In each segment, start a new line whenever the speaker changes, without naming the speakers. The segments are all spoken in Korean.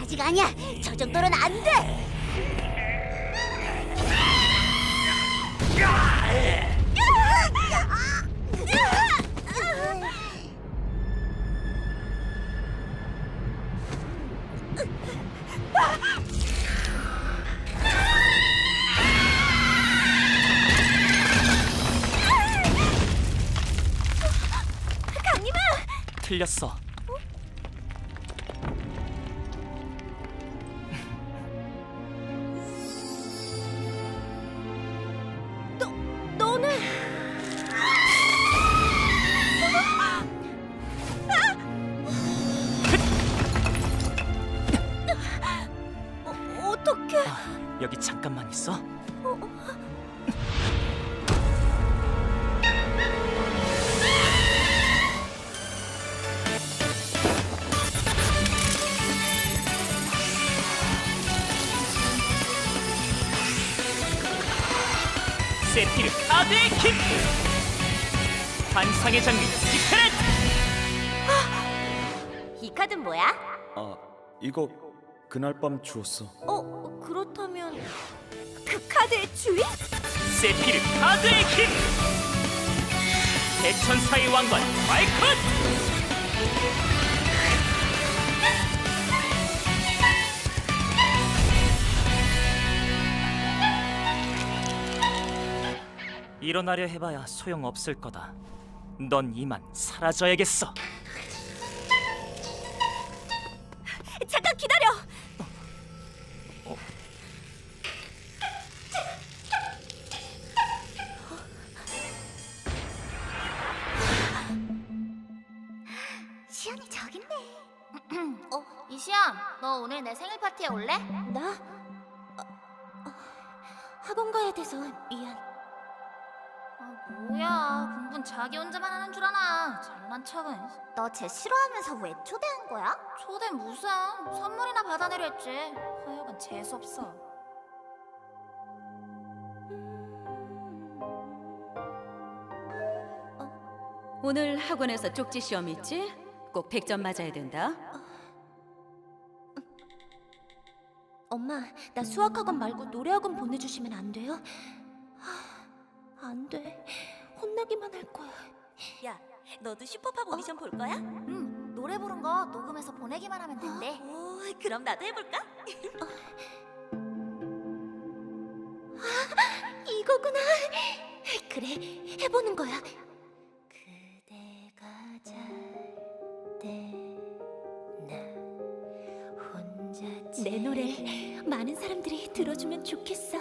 아직 아니야. 저 정도는 안 돼. 강림아!
틀렸어.
너는 어떡해?
여기 잠깐만 있어. 세피르 카드의 힘! 환상의 장미 디크렛!
이 카드는 뭐야?
아, 이거 그날 밤 주웠어.
그렇다면 그 카드의 주인?
세피르 카드의 힘! 대천사의 왕관 발컷! 일어나려 해봐야 소용없을 거다. 넌 이만 사라져야겠어.
잠깐 기다려. 시연이 저기 있네.
이시연, 너 오늘 내 생일 파티에 올래?
나? 학원 가야 돼서 미안.
뭐야, 공부는 자기 혼자만 하는 줄 아나. 잘난 척은.
너 쟤 싫어하면서 왜 초대한 거야?
초대 무슨 선물이나 받아내려 했지. 하여간 재수없어.
오늘 학원에서 쪽지 시험 있지? 꼭 100점 맞아야 된다.
엄마, 나 수학학원 말고 노래학원 보내주시면 안 돼요? 안 돼. 혼나기만 할 거야. 야, 너도 슈퍼팝 오디션 볼 거야?
응, 노래 부른 거 녹음해서 보내기만 하면 된대.
오, 그럼 나도 해볼까? 이거구나. 그래, 해보는 거야. 그대가 잘때나 혼자 내 노래 많은 사람들이 들어주면 좋겠어.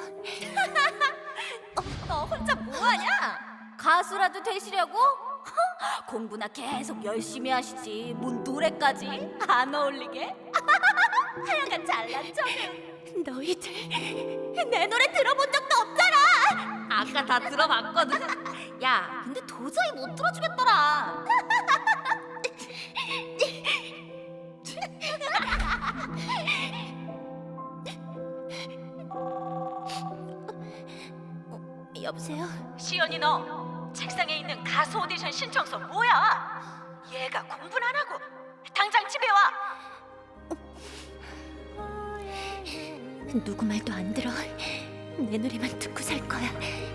너 혼자 뭐하냐? 가수라도 되시려고? 공부나 계속 열심히 하시지 뭔 노래까지 안 어울리게? 하여간 잘난 척은.
너희들 내 노래 들어본 적도 없잖아.
아까 다 들어봤거든. 야, 근데 도저히 못 들어주겠더라.
여보세요?
시연이 너 책상에 있는 가수 오디션 신청서 뭐야? 얘가 공부는 안 하고 당장 집에 와.
누구 말도 안 들어. 내 노래만 듣고 살 거야.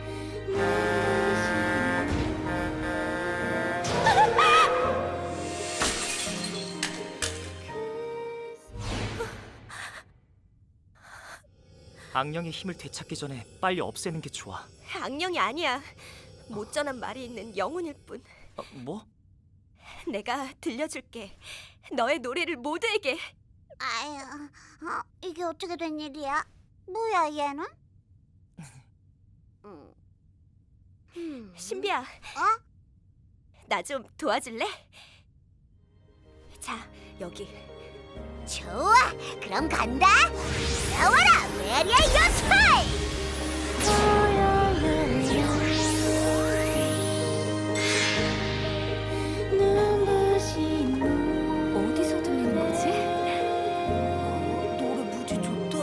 악령의 힘을 되찾기 전에 빨리 없애는 게 좋아.
악령이 아니야. 못 전한 말이 있는 영혼일 뿐.
뭐?
내가 들려줄게. 너의 노래를 모두에게.
아유, 이게 어떻게 된 일이야? 뭐야 얘는?
신비야. 나 좀 도와줄래? 자, 여기.
좋아, 그럼 간다. 나와라, 메리의 요스파이.
어디서 들리는 거지?
노래 무지 좋다.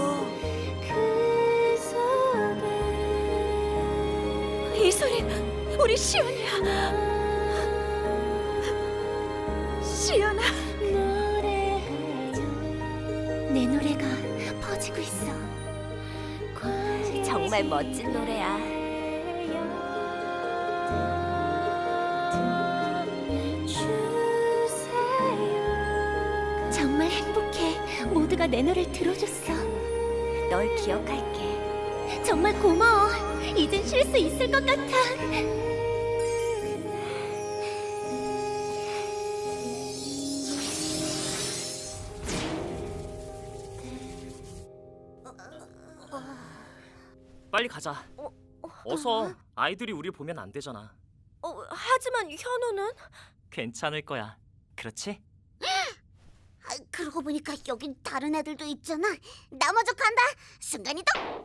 이 소리 우리 시연이야. 시연아. 내 노래가 퍼지고 있어.
정말 멋진 노래야.
정말 행복해. 모두가 내 노래를 들어줬어.
널 기억할게.
정말 고마워. 이젠 쉴 수 있을 것 같아.
빨리 가자. 어서. 아이들이 우리 보면 안 되잖아.
하지만 현우는?
괜찮을 거야. 그렇지?
그러고 보니까 여긴 다른 애들도 있잖아. 나 먼저 간다. 순간이동.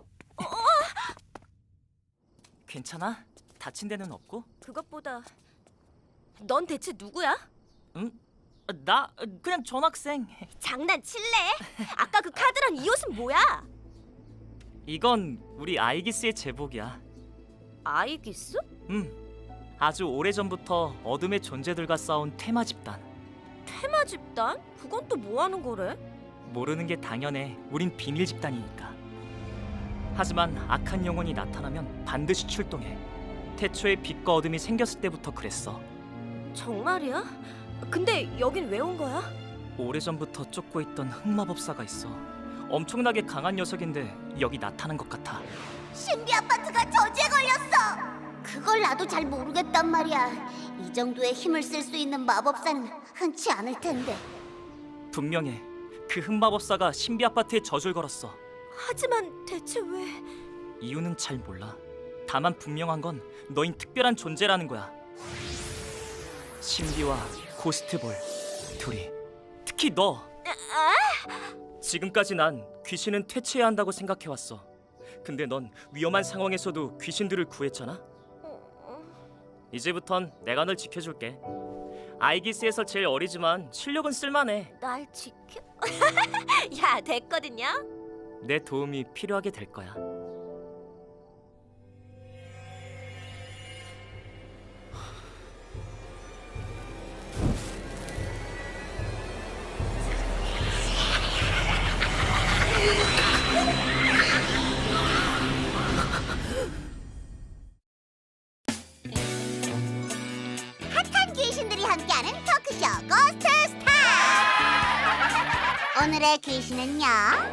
괜찮아? 다친 데는 없고?
그것보다 넌 대체 누구야?
응? 나 그냥 전학생.
장난칠래? 아까 그 카드랑 이 옷은 뭐야?
이건 우리 아이기스의 제복이야.
아이기스?
아주 오래전부터 어둠의 존재들과 싸운 테마 집단.
테마 집단? 그건 또 뭐 하는 거래?
모르는 게 당연해. 우린 비밀 집단이니까. 하지만 악한 영혼이 나타나면 반드시 출동해. 태초에 빛과 어둠이 생겼을 때부터 그랬어.
정말이야? 근데 여긴 왜 온 거야?
오래전부터 쫓고 있던 흑마법사가 있어. 엄청나게 강한 녀석인데 여기 나타난 것 같아.
신비 아파트가 저주에 걸렸어. 그걸 나도 잘 모르겠단 말이야. 이 정도의 힘을 쓸 수 있는 마법사는 흔치 않을 텐데.
분명해. 그 흑마법사가 신비 아파트에 저주를 걸었어.
하지만 대체 왜?
이유는 잘 몰라. 다만 분명한 건 너흰 특별한 존재라는 거야. 신비와 고스트볼 둘이, 특히 너. 지금까지 난 귀신은 퇴치해야 한다고 생각해왔어. 근데 넌 위험한 상황에서도 귀신들을 구했잖아. 이제부턴 내가 널 지켜줄게. 아이기스에서 제일 어리지만 실력은 쓸만해.
날 지켜? 야, 됐거든요.
내 도움이 필요하게 될 거야.
핫한 귀신들이 함께하는 토크쇼 고스트 스타. 오늘의 귀신은요.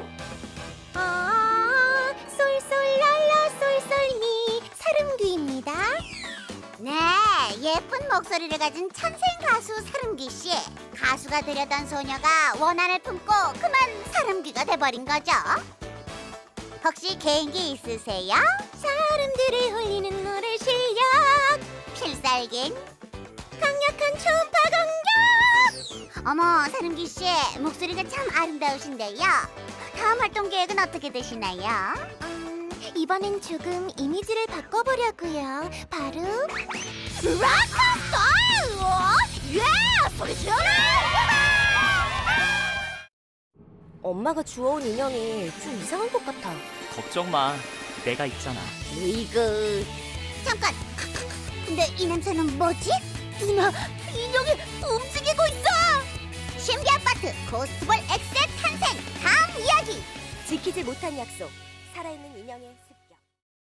쏠쏠랄라 쏠쏠미 사름귀입니다. 네, 예쁜 목소리를 가진 천생 가수 사름귀 씨. 가수가 되려던 소녀가 원한을 품고 그만 사름귀가 돼버린 거죠. 혹시 개인기 있으세요? 사람들을 홀리는 노래 실력, 필살기는 강력한 초음파 공격. 어머, 사름귀 씨 목소리가 참 아름다우신데요. 다음 활동 계획은 어떻게 되시나요? 이번엔 조금 이미지를 바꿔보려고요. 바로 락스타! 예! 소리 지어라!
엄마가 주워온 인형이 좀 이상한 것 같아.
걱정 마. 내가 있잖아.
으이그. 잠깐. 근데 이 냄새는 뭐지? 누나, 인형이 움직이고 있어. 신비 아파트 고스트볼 X의 탄생 다음 이야기.
지키지 못한 약속. 살아있는 인형의